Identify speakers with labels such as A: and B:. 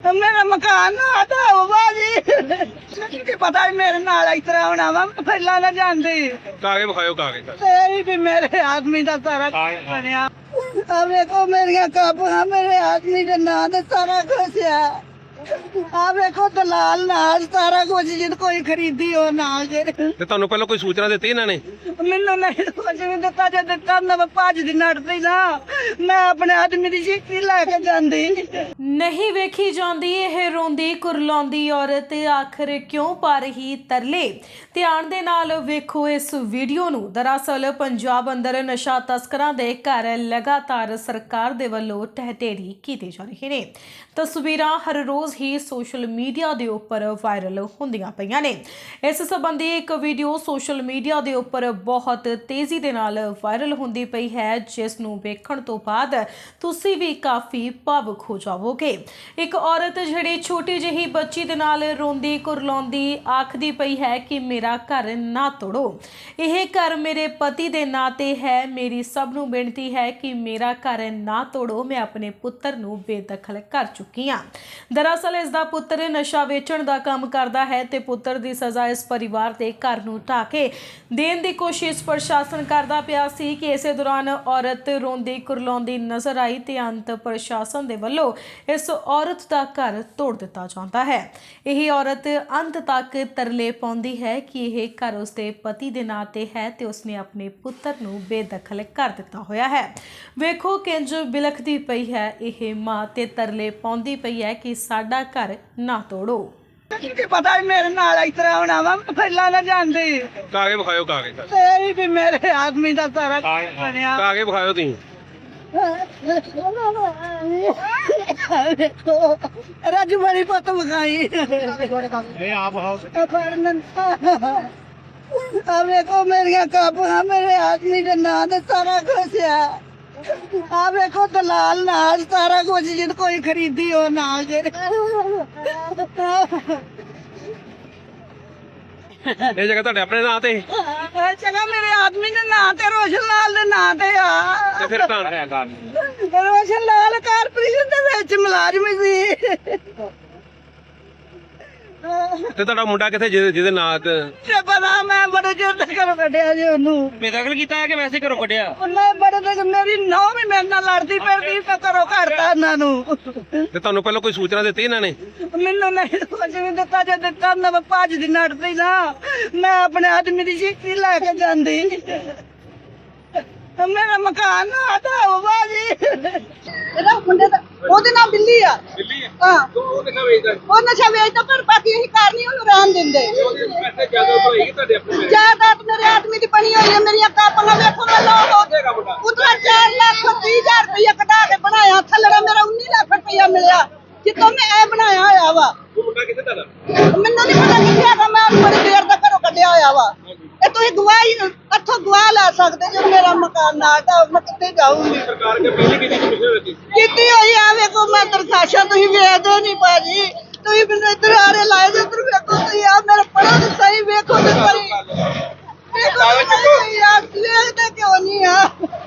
A: मेरा मकान ना आता होगा जी की पता है मेरे नाल इस तरह होना वा मैं पहला ना जानती
B: कागज विखाओ कागज
A: तेरी भी मेरे आदमी का सारा बनया अब देखो मेरिया कापा मेरे आदमी के नाम ते सारा कुछ है ਆ ਵੇਖੋ ਦਲਾਲ ਨਾਲ ਸਾਰਾ ਕੁਝ ਜਿੱਦ ਕੋਈ ਖਰੀਦੀ ਹੋ ਨਾਲ ਜਿਹੜੇ
B: ਤੇ ਤੁਹਾਨੂੰ ਪਹਿਲਾਂ ਕੋਈ ਸੂਚਨਾ ਦਿੱਤੀ ਇਹਨਾਂ ਨੇ?
A: ਮੈਨੂੰ ਨਹੀਂ ਕੁਝ ਵੀ ਦਿੱਤਾ ਜੇ ਦਿੱਤਾ ਮੈਂ ਭੱਜ ਦੀ ਨੱਟਦੀ ਨਾ ਮੈਂ ਆਪਣੇ ਆਦਮੀ ਦੀ ਚਿੱਠੀ ਲੈ ਕੇ ਜਾਂਦੀ
C: ਨਹੀਂ ਵੇਖੀ ਜਾਂਦੀ ਇਹ ਰੋਂਦੀ ਕੁਰਲਾਉਂਦੀ ਔਰਤ ਆਖਰ ਕਿਉਂ ਪਾ ਰਹੀ ਤਰਲੇ। ਧਿਆਨ ਦੇ ਨਾਲ ਵੇਖੋ ਇਸ ਵੀਡੀਓ ਨੂੰ। ਦਰਅਸਲ ਪੰਜਾਬ ਅੰਦਰ ਨਸ਼ਾ ਤਸਕਰਾਂ ਦੇ ਘਰ ਲਗਾਤਾਰ ਸਰਕਾਰ ਦੇ ਵੱਲੋਂ ਢਹਿ ਕੀਤੇ ਜਾ ਰਹੇ ਨੇ। ਤਸਵੀਰਾਂ ਹਰ ਰੋਜ਼ ਹੀ ਸੋਸ਼ਲ ਮੀਡੀਆ ਦੇ ਉੱਪਰ ਵਾਇਰਲ ਹੁੰਦੀਆਂ ਪਈਆਂ ਨੇ। ਇਸ ਸੰਬੰਧੀ ਇੱਕ ਵੀਡੀਓ ਸੋਸ਼ਲ ਮੀਡੀਆ ਦੇ ਉੱਪਰ ਬਹੁਤ ਤੇਜ਼ੀ ਦੇ ਨਾਲ ਵਾਇਰਲ ਹੁੰਦੀ ਪਈ ਹੈ, ਜਿਸ ਨੂੰ ਵੇਖਣ ਤੋਂ ਬਾਅਦ ਤੁਸੀਂ ਵੀ ਕਾਫੀ ਭਾਵੁਕ ਹੋ ਜਾਵੋਗੇ। ਇੱਕ ਔਰਤ ਜਿਹੜੀ ਛੋਟੀ ਜਿਹੀ ਬੱਚੀ ਦੇ ਨਾਲ ਰੋਂਦੀ ਕੁਰਲਾਉਂਦੀ ਆਖਦੀ ਪਈ ਹੈ ਕਿ ਮੇਰਾ ਘਰ ਨਾ ਤੋੜੋ, ਇਹ ਘਰ ਮੇਰੇ ਪਤੀ ਦੇ ਨਾਂ ਤੇ ਹੈ, ਮੇਰੀ ਸਭ ਨੂੰ ਬੇਨਤੀ ਹੈ ਕਿ ਮੇਰਾ ਘਰ ਨਾ ਤੋੜੋ, ਮੈਂ ਆਪਣੇ ਪੁੱਤਰ ਨੂੰ ਬੇਦਖਲ ਕਰ ਚੁੱਕੀ ਹਾਂ। ਦਰਅਸਲ ਇਸ ਦਾ ਪੁੱਤਰ ਨਸ਼ਾ ਵੇਚਣ ਦਾ ਕੰਮ ਕਰਦਾ ਹੈ ਤੇ ਪੁੱਤਰ ਦੀ ਸਜ਼ਾ ਇਸ ਪਰਿਵਾਰ ਦੇ ਘਰ ਨੂੰ ਢਾਹ ਕੇ ਦੇਣ ਦੀ ਕੋਸ਼ਿਸ਼ ਪ੍ਰਸ਼ਾਸਨ ਕਰਦਾ ਪਿਆ ਸੀ ਕਿ ਇਸੇ ਦੌਰਾਨ ਔਰਤ ਰੋਂਦੀ ਕੁਰਲਾਉਂਦੀ ਨਜ਼ਰ ਆਈ ਤੇ ਅੰਤ ਪ੍ਰਸ਼ਾਸਨ ਦੇ ਵੱਲੋਂ ਇਸ ਔਰਤ ਦਾ ਘਰ ਤੋੜ ਦਿੱਤਾ ਜਾਂਦਾ ਹੈ। ਇਹ ਔਰਤ ਅੰਤ ਤੱਕ ਤਰਲੇ ਪਾਉਂਦੀ ਹੈ ਕਿ ਇਹ ਘਰ ਉਸਦੇ ਪਤੀ ਦੇ ਨਾਂ ਤੇ ਹੈ ਤੇ ਉਸਨੇ ਆਪਣੇ ਪੁੱਤਰ ਨੂੰ ਬੇਦਖਲ ਕਰ ਦਿੱਤਾ ਹੋਇਆ ਹੈ। ਵੇਖੋ ਕਿੰਜ ਬਿਲਖਦੀ ਪਈ ਹੈ ਇਹ ਮਾਂ ਤੇ ਤਰਲੇ ਪਾਉਂਦੀ ਪਈ ਹੈ ਕਿ ਸਾਡਾ ਘਰ ਨਾ ਤੋੜੋ।
A: ਕੀ ਪਤਾ ਹੈ ਮੇਰੇ ਨਾਲ ਇਸ ਤਰ੍ਹਾਂ ਹੋਣਾ ਵਾ ਮੈਂ ਪਹਿਲਾਂ ਨਾ जानती
B: ਕਾਗਜ਼ ਵਿਖਾਓ ਕਾਗਜ਼
A: तेरी भी मेरे आदमी का सारा बनया
B: ਕਾਗਜ਼ ਵਿਖਾਓ ਤੁਸੀਂ।
A: राजू बड़ी पत मकाई अब देखो मेरिया कापा मेरे आदमी के नाम ते सारा कुछ है आ देखो दलाल नाल सारा कुछ जिद कोई खरीदी हो नाल जेरे
B: ਇਹ ਜਗ੍ਹਾ ਤੁਹਾਡੇ ਆਪਣੇ ਨਾਂ ਤੇ
A: जगह मेरे आदमी के नाम ते रोशन लाल दे नाम ते आ
B: ਤੇ ਫਿਰ ਤਾਂ ਹੈ ਗੱਲ।
A: रोशन लाल कारपोरेशन दे विच मुलाजम सी
B: ਤੇ ਤੁਹਾਡਾ ਮੁੰਡਾ ਕਿੱਥੇ ਜਿਹਦੇ ਨਾਂ ਤੇ
A: ਤੇ ਪਤਾ ਮੈਂ ਬੜੇ ਚਿਰ ਤੱਕ ਘਰੋਂ ਕੱਢਿਆ ਜੀ ਉਹਨੂੰ
B: ਬੇਦਖਲ ਕੀਤਾ ਹੈ ਕਿ ਵੈਸੇ ਘਰੋਂ ਕੱਢਿਆ?
A: ਉਹਨੇ ਬੜੇ ਤੱਕ ਮੇਰੀ ਨੌਂ ਵੀ ਮੇਰੇ ਨਾਲ ਲੜਦੀ ਫਿਰਦੀ ਤੇ ਘਰੋਂ ਕੱਢਤਾ ਇਹਨਾਂ ਨੂੰ
B: ਤੇ ਤੁਹਾਨੂੰ ਪਹਿਲਾਂ ਕੋਈ ਸੂਚਨਾ ਦਿੱਤੀ ਇਹਨਾਂ ਨੇ?
A: ਮੈਨੂੰ ਨਹੀਂ ਕੁਝ ਵੀ ਦਿੱਤਾ ਜੇ ਦਿੱਤਾ ਮੈਂ ਭੱਜ ਦੀ ਨੱਟਦੀ ਨਾ ਮੈਂ ਆਪਣੇ ਆਦਮੀ ਦੀ ਚਿੱਠੀ ਲੈ ਕੇ ਜਾਂਦੀ ਮੇਰਾ ਮਕਾਨ ਨਾ ਆਦਾ ਹੋਗਾ ਜੀ ਇਹਦਾ ਮੁੰਡੇ ਦਾ ਉਹਦੇ ਨਾਲ ਬਿੱਲੀ ਆ
B: ਦਿੱਲੀ ਹੈ
A: ਹਾਂ
B: ਉਹ ਕਿੱਥੇ ਵੇਚਦਾ?
A: ਉਹ ਨਸ਼ਾ ਵੇਚਦਾ ਪਰ ਬਾਕੀ ਅਸੀਂ ਘਰ ਨਹੀਂ ਉਹਨੂੰ ਰਹਿਣ ਦਿੰਦੇ
B: ਉਹਦੇ ਪੈਸੇ ਜ਼ਿਆਦਾ ਹੋਏਗੀ ਤੁਹਾਡੇ ਆਪਣੇ?
A: ਜਾਇਦਾਦ ਮੇਰੇ ਆਦਮੀ ਦੀ ਬਣੀ ਹੋਈ ਹੈ ਮੇਰੀਆਂ ਕਾਪੀਆਂ ਵੇਖੋ ਮੈਂ ਲੋ
B: ਦੇਗਾ ਮੁੰਡਾ
A: ਉਤਰਾ 4,30,000 ਰੁਪਇਆ ਕਢਾ ਕੇ ਬਣਾਇਆ ਥੱਲੜਾ ਮੇਰਾ 19 ਲੱਖ ਰੁਪਇਆ ਮਿਲਿਆ ਜਿੱਤੋਂ ਮੈਂ ਇਹ ਬਣਾਇਆ ਹੋਇਆ ਵਾ
B: ਉਹ ਮੁੰਡਾ ਕਿੱਥੇ ਤੁਹਾਡਾ?
A: ਮੈਨੂੰ ਨਹੀਂ ਪਤਾ ਕਿੱਥੇ ਹੈਗਾ ਮੈਂ ਉਹਨੂੰ ਬੜੀ ਦੇਰ ਦਾ ਘਰੋਂ ਕੱਢਿਆ ਹੋਇਆ ਵਾ ਇਹ ਤੁਸੀਂ ਗਵਾਹੀ ਇੱਥੋਂ ਗਵਾਹ ਲੈ ਸਕਦੇ ਜੇ ਮੇਰਾ ਮਕਾਨ ਨਾ ਤਾਂ ਮੈਂ ਕਿੱਥੇ ਜਾਊਂਗੀ
B: ਸਰਕਾਰ ਕੇ ਪਹਿਲੀ ਕਿਹਦੀ ਕਮਿਸ਼ਨ ਦਿੱਤੀ?
A: ਕੀਤੀ ਹੋਈ ਆ ਵੇਖੋ ਮੈਂ ਦਰਖਾਸ਼ਾਂ ਤੁਸੀਂ ਵੇਚਦੇ ਨਹੀਂ ਭਾਜੀ ਤੁਸੀਂ ਮੈਨੂੰ ਇੱਧਰ ਆਰੇ ਲਾਏ ਜੇ ਇੱਧਰ ਵੇਖੋ ਤੁਸੀਂ ਆ ਮੇਰੇ ਪੜ੍ਹਨ ਸਹੀ ਵੇਖੋ ਤੇ ਪਰੀ ਵੇਖੋ ਯਾਰ ਵੇਖਦੇ ਕਿਉਂ ਨਹੀਂ ਆ